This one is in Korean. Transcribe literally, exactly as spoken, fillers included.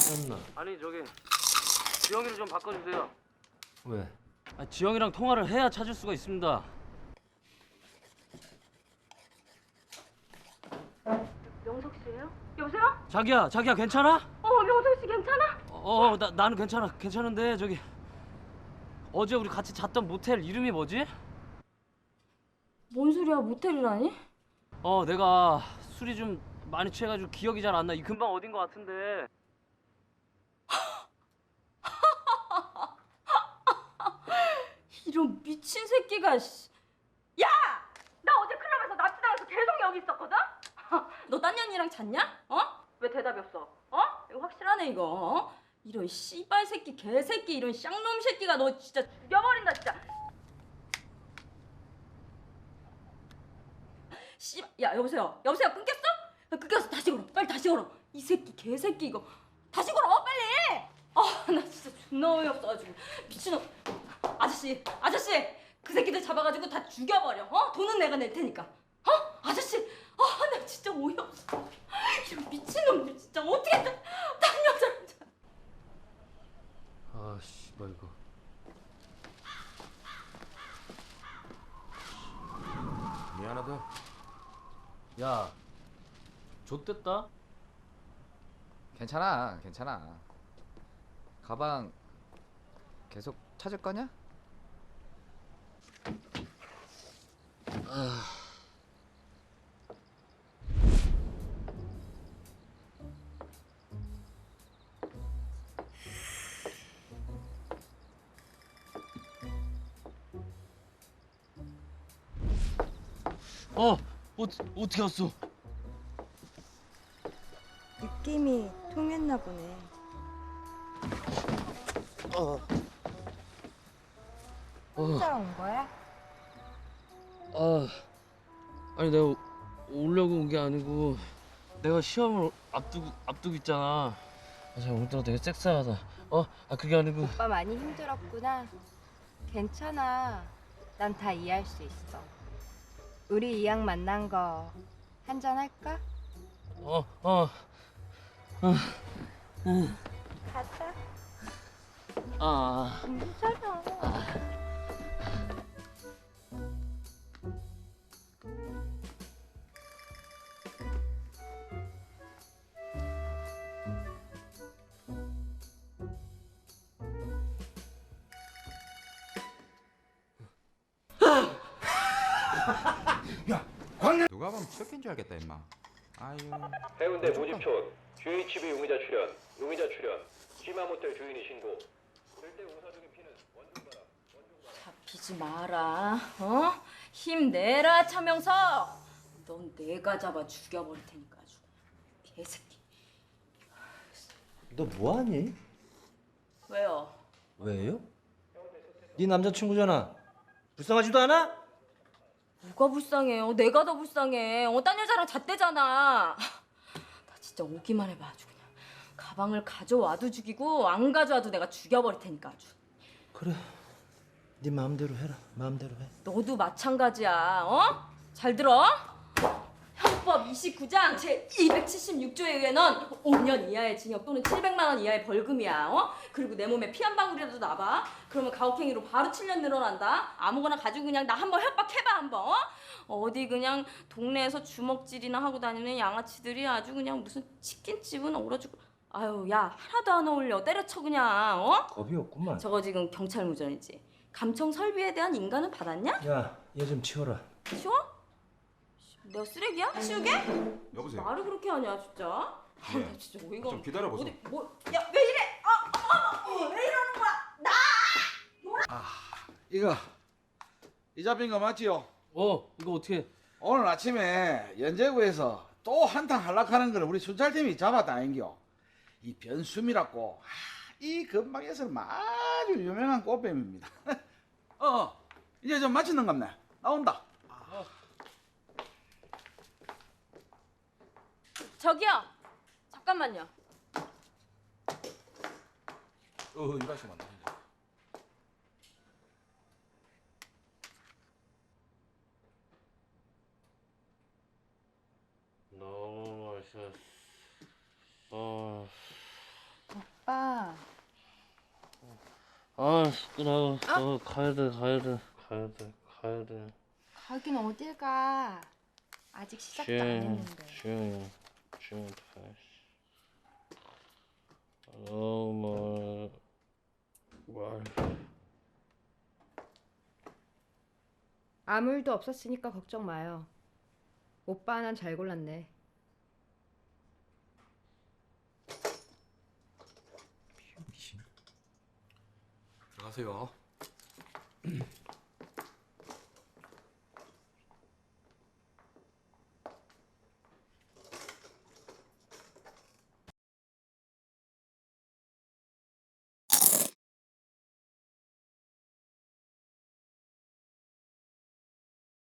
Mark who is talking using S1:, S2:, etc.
S1: 나
S2: 아니 저기 지영이를 좀 바꿔주세요.
S1: 왜?
S2: 아, 지영이랑 통화를 해야 찾을 수가 있습니다.
S3: 명석 씨예요? 여보세요?
S2: 자기야, 자기야 괜찮아?
S3: 어, 명석 씨 괜찮아?
S2: 어, 나 나는 괜찮아, 괜찮은데 저기 어제 우리 같이 잤던 모텔 이름이 뭐지?
S3: 뭔 소리야, 모텔이라니?
S2: 어, 내가 술이 좀 많이 취해가지고 기억이 잘 안 나. 이 근방 어딘 것 같은데.
S3: 이런 미친 새끼가 씨. 야! 나 어제 클럽에서 납치당해서 계속 여기 있었거든? 너 딴 년이랑 잤냐? 어? 왜 대답이 없어? 어? 이거 확실하네 이거. 어? 이런 씨발 새끼 개새끼 이런 쌍놈 새끼가 너 진짜 죽여버린다 진짜. 씨, 야 여보세요, 여보세요, 끊겼어? 야, 끊겼어. 다시 걸어, 빨리 다시 걸어. 이 새끼 개새끼 이거 다시 걸어 빨리. 아, 나 진짜 존나 어이없어가지고 미친놈. 아저씨, 아저씨, 그 새끼들 잡아가지고 다 죽여버려. 어? 돈은 내가 낼 테니까. 어? 아저씨, 아, 나 진짜 어이없어. 이런 미친놈들 진짜 어떻게 딴, 딴 여자랑 자.
S1: 아 씨발 이거.
S4: 미안하다.
S1: 야, 좆됐다.
S5: 괜찮아, 괜찮아. 가방 계속 찾을 거냐?
S2: 어, 어 어떻게 왔어?
S6: 느낌이 통했나 보네.
S2: 어,
S6: 혼자 온 거야?
S2: 아, 아니 내가 오려고 온 게 아니고 내가 시험을 앞두고 앞두고 있잖아. 아, 자 오늘따라 되게 섹스하다. 어, 아 그게 아니고.
S6: 오빠 많이 힘들었구나. 괜찮아. 난 다 이해할 수 있어. 우리 이왕 만난 거 한잔 할까?
S2: 어, 어,
S6: 가자.
S2: 아.
S6: 괜찮아.
S4: 누가 보면 척인 줄 알겠다 임마. 아유.
S7: 해운대 모집촌 지에이치비 용의자 출연 용의자 출연 시마모텔 주인이 신고 절대 우사적인 피는 원중가라 원중가라
S3: 잡히지 마라. 어? 힘내라 차명석. 넌 내가 잡아 죽여버릴 테니까 아주. 개새끼.
S1: 너 뭐하니?
S3: 왜요?
S1: 왜요? 네 남자친구잖아. 불쌍하지도 않아?
S3: 뭐가 불쌍해요? 내가 더 불쌍해. 어, 딴 여자랑 잤대잖아. 나 진짜 오기만 해봐 아주 그냥. 가방을 가져와도 죽이고 안 가져와도 내가 죽여버릴 테니까 아주.
S1: 그래. 네 마음대로 해라. 마음대로 해.
S3: 너도 마찬가지야. 어? 잘 들어? 형법 이십구 장 제이백칠십육 조에 의해는 오 년 이하의 징역 또는 칠백만 원 이하의 벌금이야. 어? 그리고 내 몸에 피 한 방울이라도 나봐. 그러면 가혹행위로 바로 칠 년 늘어난다. 아무거나 가지고 그냥 나 한번 협박해봐 한번. 어? 어디 그냥 동네에서 주먹질이나 하고 다니는 양아치들이 아주 그냥 무슨 치킨집은 얼어죽고. 아유 야 하나도 안 어울려. 때려쳐 그냥. 어?
S1: 겁이 없구만.
S3: 저거 지금 경찰 무전이지. 감청 설비에 대한 인가는 받았냐?
S1: 야, 얘 좀 치워라.
S3: 치워? 내가 쓰레기야? 치우게?
S4: 여보세요.
S3: 말을 그렇게 하냐 진짜? 아,
S4: 예.
S3: 나 진짜 어이가
S4: 좀
S3: 없-
S4: 기다려보소.
S3: 어디 뭐? 야 왜 이래? 아, 어머, 왜 이러는 거야? 나!
S8: 이거 이 잡힌 거 맞지요?
S2: 어, 이거 어떻게?
S8: 오늘 아침에 연제구에서 또 한탕 한락하는 거를 우리 순찰팀이 잡았다인겨. 이 변수미라고. 아, 이 근방에서는 아주 유명한 꽃뱀입니다. 어, 어, 이제 좀 마치는 겁네. 나온다.
S3: 저기요. 잠깐만요.
S4: 어, 이라시 만나.
S2: 너무 맛있어. 어.
S6: 오빠.
S2: 아 나, 나 가야 돼 가야 돼 가야 돼 가야 돼.
S6: 가긴 어딜 가. 아직 시작도 안
S2: 주영
S6: 했는데.
S2: 주영이 주영한테 가야지. 너무 말.
S6: 아무 일도 없었으니까 걱정 마요. 오빠 하나는 잘 골랐네.
S4: 들어가세요.